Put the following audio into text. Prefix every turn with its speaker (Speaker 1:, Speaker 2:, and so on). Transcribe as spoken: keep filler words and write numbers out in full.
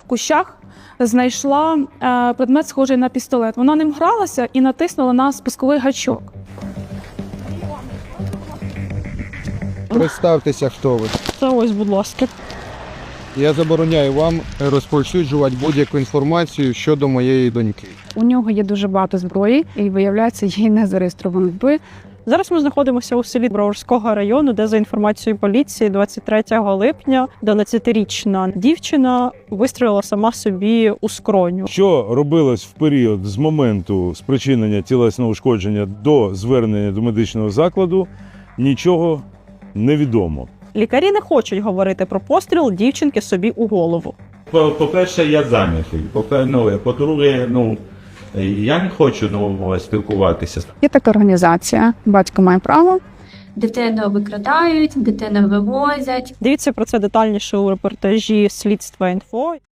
Speaker 1: кущах знайшла е, предмет, схожий на пістолет. Вона ним гралася і натиснула на спусковий гачок.
Speaker 2: Представтеся, хто ви.
Speaker 1: Це ось, будь ласка.
Speaker 2: Я забороняю вам розповсюджувати будь-яку інформацію щодо моєї доньки.
Speaker 3: У нього є дуже багато зброї, і, виявляється, їй не зареєстровано зброї.
Speaker 4: Зараз ми знаходимося у селі Броварського району, де, за інформацією поліції, двадцять третього липня дванадцятирічна дівчина вистрілила сама собі у скроню.
Speaker 5: Що робилось в період з моменту спричинення тілесного ушкодження до звернення до медичного закладу, нічого не відомо.
Speaker 4: Лікарі не хочуть говорити про постріл дівчинки собі у голову.
Speaker 6: По-перше, я зайнятий. По-перше, ну, по-друге, ну, я не хочу ну, спілкуватися.
Speaker 3: Є така організація «Батько має право».
Speaker 7: Дитину викрадають, дитину вивозять.
Speaker 4: Дивіться про це детальніше у репортажі «Слідства інфо».